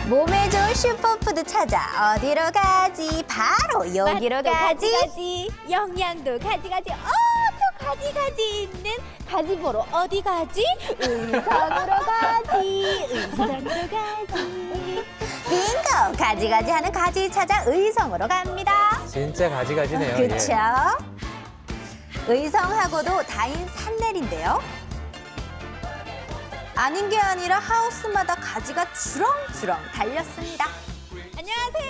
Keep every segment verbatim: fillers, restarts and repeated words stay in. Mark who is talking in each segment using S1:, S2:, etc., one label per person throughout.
S1: 몸에 좋은 슈퍼푸드 찾아 어디로 가지? 바로 여기로
S2: 맛도
S1: 가지.
S2: 가지가지, 영양도 가지가지, 어, 또 가지가지 있는 가지 보러 어디 가지? 의성으로 가지, 의성으로 가지.
S1: 빙고! 가지가지 하는 가지 찾아 의성으로 갑니다.
S3: 진짜 가지가지네요. 예.
S1: 그쵸? 의성하고도 다인 산내리인데요. 아닌 게 아니라 하우스마다 가지가 주렁주렁 달렸습니다.
S2: 안녕하세요.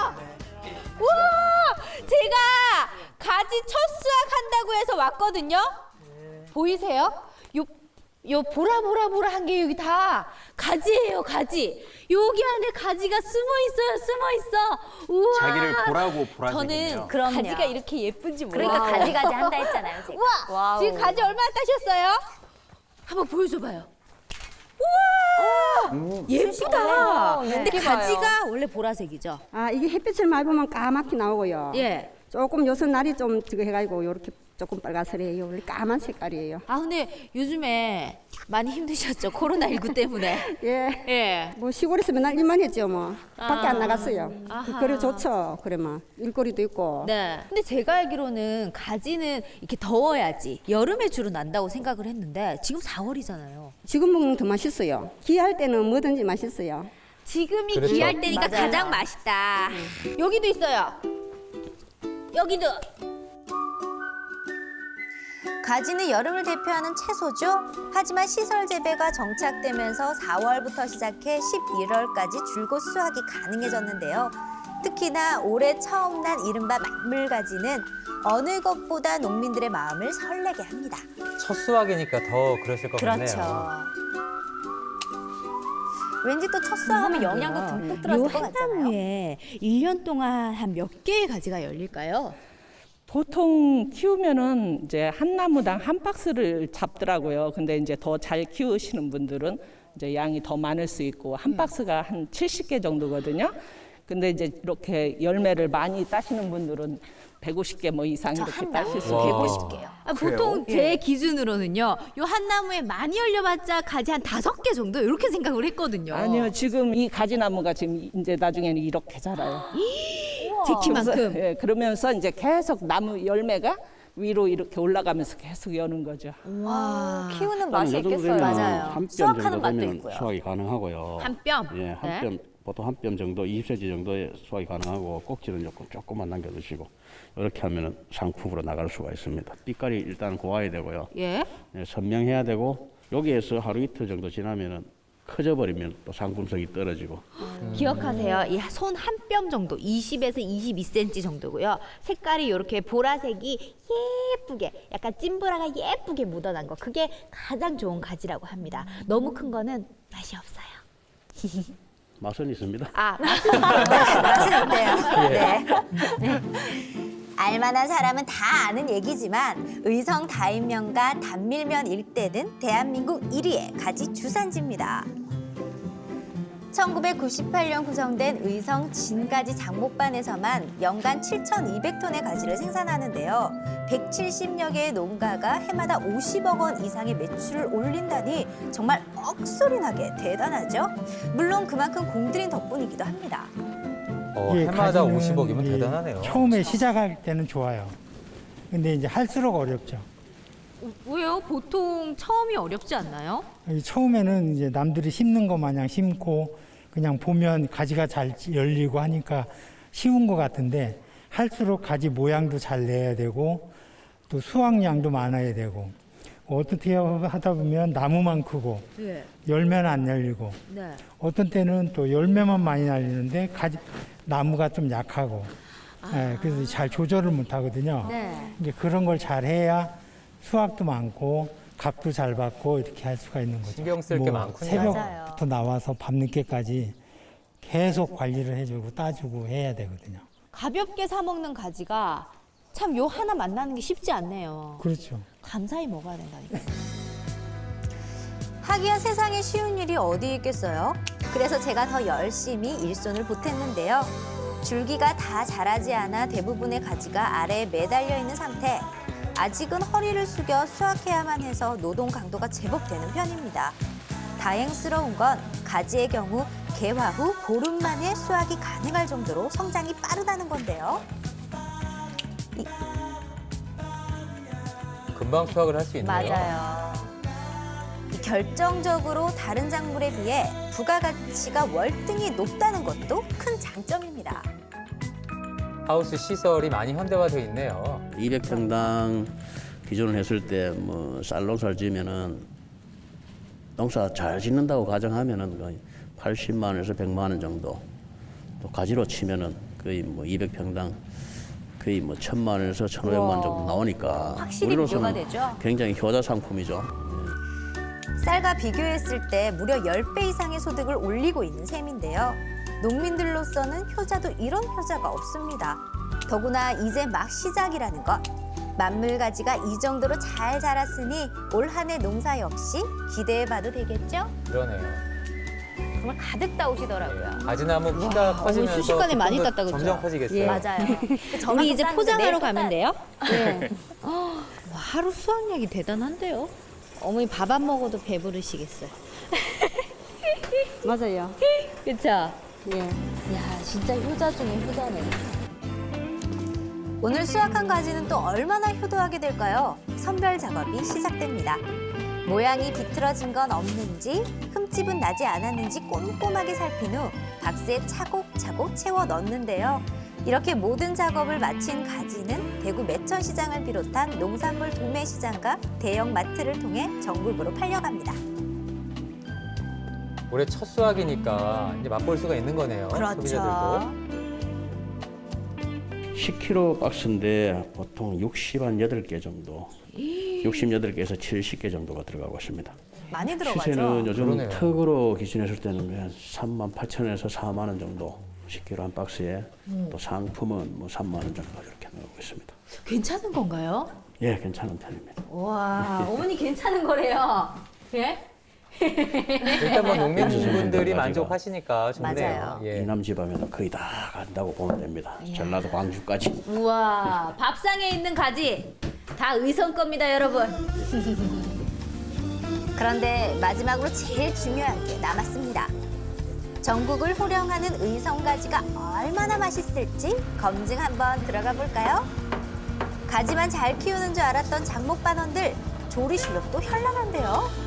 S2: 우와, 제가 가지 첫 수확한다고 해서 왔거든요. 보이세요? 요, 요 보라보라보라한 게 여기 다 가지예요, 가지. 여기 안에 가지가 숨어 있어요, 숨어 있어. 우와.
S4: 자기를 보라고 보라색이네요.
S2: 저는
S1: 그럼요.
S2: 가지가 이렇게 예쁜지 몰라요.
S1: 그러니까 가지가지 한다 했잖아요, 제가.
S2: 우와,
S1: 와우.
S2: 지금 가지 얼마나 따셨어요? 한번 보여줘봐요. 우와,
S4: 음.
S2: 예쁘다.
S1: 네.
S2: 근데
S1: 이렇게
S2: 가지가 원래 보라색이죠?
S5: 아, 이게 햇빛을 많이 보면 까맣게 나오고요.
S2: 예.
S5: 조금 요새 날이 좀 저거 해가지고 이렇게 조금 빨갛스레요. 원래 까만 색깔이에요.
S2: 아 근데 요즘에 많이 힘드셨죠? 코로나십구 때문에.
S5: 예.
S2: 예.
S5: 뭐 시골에서 맨날 일만 했죠, 뭐. 밖에 안 나갔어요.
S2: 아하.
S5: 그, 그래 좋죠. 그러면 일거리도 있고.
S2: 네. 근데 제가 알기로는 가지는 이렇게 더워야지 여름에 주로 난다고 생각을 했는데 지금 사월이잖아요.
S5: 지금 먹는 더 맛있어요. 귀할 때는 뭐든지 맛있어요.
S2: 지금이
S3: 그렇죠.
S2: 귀할 때니까
S1: 맞아요.
S2: 가장 맛있다. 여기도 있어요. 여기도.
S1: 가지는 여름을 대표하는 채소죠. 하지만 시설 재배가 정착되면서 사월부터 시작해 십일월까지 줄곧 수확이 가능해졌는데요. 특히나 올해 처음 난 이른바 만물가지는 어느 것보다 농민들의 마음을 설레게 합니다.
S3: 첫 수확이니까 더 그러실 것
S1: 그렇죠.
S3: 같네요.
S1: 왠지 또 첫 수확하면 영양도 듬뿍 들어갈 것 같잖아요.
S2: 한나무에 일 년 동안 한 몇 개의 가지가 열릴까요?
S6: 보통 키우면은 이제 한 나무당 한 박스를 잡더라고요. 근데 이제 더 잘 키우시는 분들은 이제 양이 더 많을 수 있고 한 박스가 한 칠십 개 정도거든요. 근데 이제 이렇게 열매를 많이 따시는 분들은 백오십 개 뭐 이상 이렇게
S1: 한
S6: 따실 수
S3: 와.
S6: 있고.
S1: 백오십 개요.
S2: 아, 보통 제 기준으로는요. 요 한 나무에 많이 열려봤자 가지 한 다섯 개 정도 이렇게 생각을 했거든요.
S6: 아니요, 지금 이 가지나무가 지금 이제 나중에는 이렇게 자라요.
S2: 제 키만큼.
S6: 그래서, 예, 그러면서 이제 계속 나무 열매가 위로 이렇게 올라가면서 계속 여는 거죠.
S1: 와, 키우는 맛이
S4: 요 정도
S1: 있겠어요.
S4: 되면
S1: 맞아요.
S4: 한 뼘
S1: 수확하는
S4: 정도
S1: 맛도
S4: 되면
S1: 있고요.
S4: 수확이 가능하고요.
S2: 한 뼘?
S4: 예, 한
S2: 네.
S4: 뼘, 보통 한 뼘 정도, 이십 센티미터 정도의 수확이 가능하고 꼭지는 조금 조금만 남겨 두시고 이렇게 하면은 상품으로 나갈 수가 있습니다. 빛깔이 일단 고와야 되고요.
S2: 예.
S4: 예, 선명해야 되고 여기에서 하루 이틀 정도 지나면은 커져 버리면 또 상품성이 떨어지고.
S2: 기억하세요. 이 손 한 뼘 정도, 이십에서 이십이 센티미터 정도고요. 색깔이 이렇게 보라색이 예쁘게, 약간 찐보라가 예쁘게 묻어난 거. 그게 가장 좋은 가지라고 합니다. 너무 큰 거는 맛이 없어요.
S4: 맛은 있습니다.
S2: 아,
S1: 맛은 있대요. 네. 알만한 사람은 다 아는 얘기지만 의성 다인면과 단밀면 일대는 대한민국 일 위의 가지 주산지입니다. 천구백구십팔 년 구성된 의성 진가지 장목반에서만 연간 칠천이백 톤의 가지를 생산하는데요. 백칠십여 개의 농가가 해마다 오십억 원 이상의 매출을 올린다니 정말 억소리 나게 대단하죠. 물론 그만큼 공들인 덕분이기도 합니다.
S3: 어,
S7: 예,
S3: 해마다
S7: 가지는
S3: 오십억이면
S7: 이게
S3: 대단하네요.
S7: 처음에 시작할 때는 좋아요. 근데 이제 할수록 어렵죠.
S2: 왜요? 보통 처음이 어렵지 않나요?
S7: 이 처음에는 이제 남들이 심는 것 마냥 심고 그냥 보면 가지가 잘 열리고 하니까 쉬운 것 같은데 할수록 가지 모양도 잘 내야 되고 또 수확량도 많아야 되고 어떻게 하다 보면 나무만 크고
S2: 네.
S7: 열매는 안 열리고
S2: 네.
S7: 어떤 때는 또 열매만 많이 날리는데 가지 나무가 좀 약하고 예, 그래서 잘 조절을 못 하거든요.
S2: 네.
S7: 이제 그런 걸 잘 해야 수확도 많고 값도 잘 받고 이렇게 할 수가 있는 거죠.
S3: 신경 쓸게 많군요.
S7: 새벽부터 나와서 밤늦게까지 계속 관리를 해주고 따주고 해야 되거든요.
S2: 가볍게 사 먹는 가지가 참 요 하나 만나는 게 쉽지 않네요.
S7: 그렇죠.
S2: 감사히 먹어야 된다니까.
S1: 하기야 세상에 쉬운 일이 어디 있겠어요? 그래서 제가 더 열심히 일손을 보탰는데요. 줄기가 다 자라지 않아 대부분의 가지가 아래에 매달려 있는 상태. 아직은 허리를 숙여 수확해야만 해서 노동 강도가 제법 되는 편입니다. 다행스러운 건 가지의 경우 개화 후 보름 만에 수확이 가능할 정도로 성장이 빠르다는 건데요. 이,
S3: 금방 수확을 할 수 있네요.
S1: 맞아요. 이 결정적으로 다른 작물에 비해 부가가치가 월등히 높다는 것도 큰 장점입니다.
S3: 하우스 시설이 많이 현대화되어 있네요.
S4: 이백 평당 기존을 했을 때 뭐 쌀농사를 지으면은 농사 잘 짓는다고 가정하면은 거의 팔십만 원에서 백만 원 정도. 또 가지로 치면은 거의 뭐 이백 평당 거의 뭐 천만 원에서 천오백만 원 정도 나오니까
S1: 확실히
S4: 우리로서는
S1: 비교가 되죠?
S4: 굉장히 효자 상품이죠.
S1: 쌀과 비교했을 때 무려 십 배 이상의 소득을 올리고 있는 셈인데요. 농민들로서는 효자도 이런 효자가 없습니다. 더구나 이제 막 시작이라는 것. 만물가지가 이 정도로 잘 자랐으니 올 한 해 농사 역시 기대해봐도 되겠죠?
S3: 그러네요.
S1: 정말 가득 따오시더라고요.
S3: 가지나무 키가 커지면서
S2: 순식간에 많이
S3: 조금 더
S2: 땄다, 그쵸?
S3: 점점 커지겠어요.
S1: 예. 맞아요.
S2: 우리 이제 포장하러 가면
S1: 돼요?
S2: 돼요? 네. 와, 하루 수확량이 대단한데요? 어머니 밥 안 먹어도 배부르시겠어요.
S5: 맞아요.
S2: 그쵸?
S5: 예.
S2: 야, 진짜 효자 중에 효자네.
S1: 오늘 수확한 가지는 또 얼마나 효도하게 될까요? 선별 작업이 시작됩니다. 모양이 비틀어진 건 없는지, 흠집은 나지 않았는지 꼼꼼하게 살핀 후 박스에 차곡차곡 채워 넣는데요. 이렇게 모든 작업을 마친 가지는 대구 매천시장을 비롯한 농산물 도매시장과 대형 마트를 통해 전국으로 팔려갑니다.
S3: 올해 첫 수확이니까 이제 맛볼 수가 있는 거네요. 소비자들도.
S4: 십 킬로그램 박스인데 보통 육십한 여덟 개 정도, 육십여덟 개에서 칠십 개 정도가 들어가고 있습니다.
S1: 많이 들어가죠?
S4: 시세는 요즘
S3: 그러네요.
S4: 턱으로 기준했을 때는 한 삼만 팔천 원에서 사만 원 정도 십 킬로그램 한 박스에 또 상품은 뭐 삼만 원 정도 이렇게 나오고 있습니다.
S2: 괜찮은 건가요?
S4: 예, 괜찮은 편입니다.
S2: 와, 어머니 괜찮은 거래요. 예?
S3: 일단 뭐 농민분들이
S4: 가지가.
S3: 만족하시니까 좋네요.
S1: 맞아요.
S3: 예.
S4: 이남 지방에는 거의 다 간다고 보면 됩니다. 전라도 광주까지.
S2: 우와, 밥상에 있는 가지 다 의성 겁니다, 여러분.
S1: 그런데 마지막으로 제일 중요한 게 남았습니다. 전국을 호령하는 의성가지가 얼마나 맛있을지 검증 한번 들어가 볼까요? 가지만 잘 키우는 줄 알았던 장목반원들 조리 실력도 현란한데요.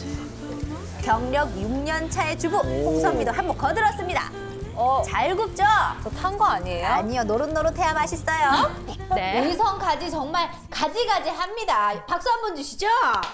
S1: 경력 육 년 차의 주부 홍선미도 한몫 거들었습니다. 잘 굽죠?
S8: 저 탄 거 아니에요?
S1: 아니요, 노릇노릇해야 맛있어요.
S2: 네. 의성 가지 정말 가지가지 합니다. 박수 한번 주시죠.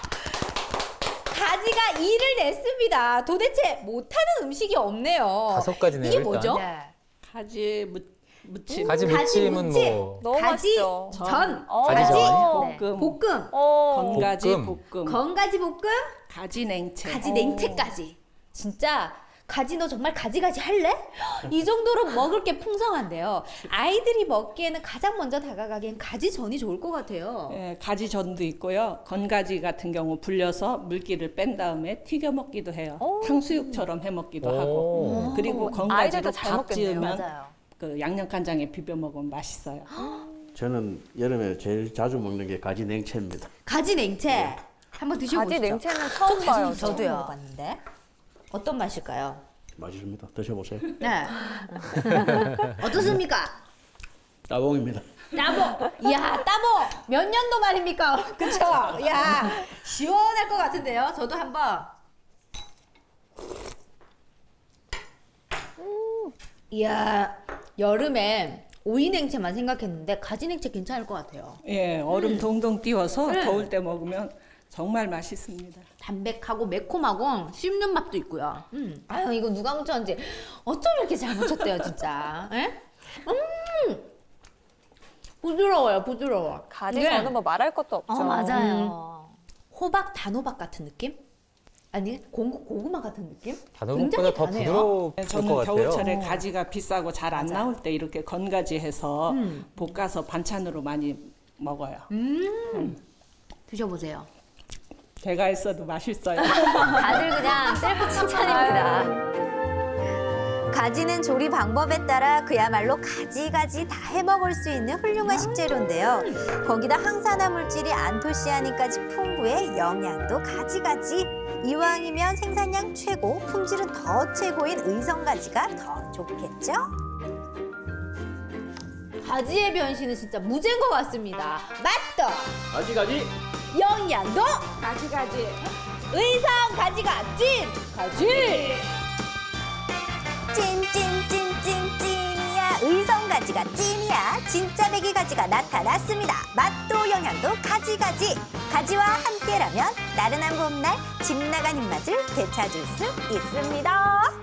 S2: 가지가 일을 냈습니다. 도대체 못하는 음식이 없네요.
S3: 다섯 가지네요,
S2: 이게
S3: 일단.
S2: 뭐죠?
S6: 가지 무, 무침,
S3: 가지
S2: 가지
S3: 무침은
S2: 무침.
S3: 뭐
S8: 너무
S2: 가지
S8: 맛있죠.
S2: 전,
S8: 어.
S2: 가지
S3: 가지
S6: 볶음,
S2: 볶음,
S8: 어.
S6: 건가지
S3: 볶음.
S6: 볶음,
S2: 건가지 볶음,
S6: 가지 냉채.
S2: 가지 냉채까지. 진짜 가지 너 정말 가지가지 할래? 이 정도로 먹을 게 풍성한데요. 아이들이 먹기에는 가장 먼저 다가가기엔 가지전이 좋을 것 같아요.
S6: 예, 가지전도 있고요. 건가지 같은 경우 불려서 물기를 뺀 다음에 튀겨 먹기도 해요. 탕수육처럼 해 먹기도
S3: 오.
S6: 하고. 그리고 건가지로
S8: 아이들도 잘
S6: 밥
S8: 먹겠네요.
S6: 지으면
S1: 맞아요.
S6: 그 양념간장에 비벼 먹으면 맛있어요.
S4: 저는 여름에 제일 자주 먹는 게 가지 냉채입니다.
S2: 가지 냉채 한번 드셔보시죠.
S8: 가지 냉채는 처음 봐요. 저.
S2: 저도요. 먹어봤는데 어떤 맛일까요?
S4: 맛있습니다. 드셔보세요.
S2: 네. 어떻습니까?
S4: 따봉입니다.
S2: 따봉. 이야, 따봉. 몇 년도 말입니까? 그쵸? 야, 시원할 것 같은데요. 저도 한번. 음. 이야, 여름에 오이 냉채만 생각했는데 가지 냉채 괜찮을 것 같아요.
S6: 예, 얼음 동동 띄워서
S2: 네.
S6: 더울 때 먹으면 정말 맛있습니다.
S2: 담백하고 매콤하고 씹는 맛도 있고요. 음. 아유, 이거 누가 묻혔는지 어쩜 이렇게 잘 묻혔대요, 진짜. 에? 음! 부드러워요, 부드러워.
S8: 가지
S2: 네.
S8: 저는 뭐 말할 것도 없죠.
S1: 어, 맞아요.
S2: 호박, 단호박 같은 느낌? 아니, 고, 고구마 같은 느낌?
S3: 단호박보다
S2: 굉장히
S3: 더
S2: 다네요.
S3: 부드러울 것
S6: 저는
S3: 같아요.
S6: 겨울철에 가지가 비싸고 잘 안 나올 때 이렇게 건가지 해서
S2: 음.
S6: 볶아서 반찬으로 많이 먹어요.
S2: 드셔보세요.
S6: 제가 했어도 맛있어요.
S1: 다들 그냥 셀프 칭찬입니다. 가지는 조리 방법에 따라 그야말로 가지가지 다 해먹을 수 있는 훌륭한 식재료인데요. 거기다 항산화 물질이 안토시아닌까지 풍부해 영양도 가지가지. 이왕이면 생산량 최고, 품질은 더 최고인 의성가지가 더 좋겠죠?
S2: 가지의 변신은 진짜 무죄인 것 같습니다. 맛도,
S4: 가지 가지.
S2: 영양도,
S5: 가지가지.
S2: 의성 가지가 찐! 가지!
S1: 찐찐찐찐 찐이야, 의성가지가 찐이야. 진짜 메기가지가 나타났습니다. 맛도 영양도 가지가지. 가지와 함께라면 나른한 봄날 집 나간 입맛을 되찾을 수 있습니다.